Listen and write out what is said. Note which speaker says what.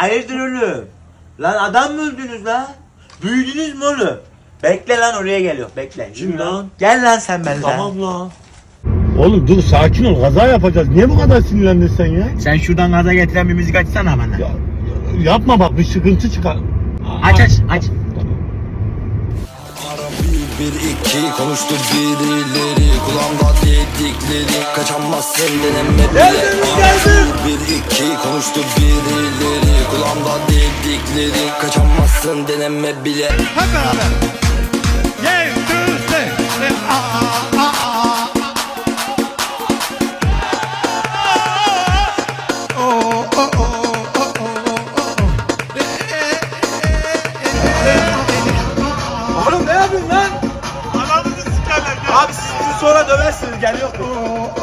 Speaker 1: Hayırdır oğlum? Lan adam mı öldünüz lan? Büyüdünüz mü oğlum? Bekle lan oraya geliyor bekle.
Speaker 2: Kim lan?
Speaker 1: Gel lan sen benimle.
Speaker 2: Tamam lan.
Speaker 3: Oğlum dur sakin ol, kaza yapacağız. Niye bu kadar sinirlendin sen ya?
Speaker 1: Sen şuradan gaza getiren bir müzik açsana bana.
Speaker 3: Ya, yapma bak, bir sıkıntı çıkar.
Speaker 1: Aç.
Speaker 4: Bir iki konuştu birileri, kulağımda dedikleri, kaçamazsın deneme bile.
Speaker 1: Geldim.
Speaker 4: Bir iki konuştu birileri, kulağımda dedikleri, kaçamazsın deneme bile.
Speaker 5: Hep beraber. Yeah, Tuesday.
Speaker 1: Oğlum ne yapıyorsun lan?
Speaker 2: Ananızı sikerler.
Speaker 1: Abi siz bizi sonra döversiniz geliyor.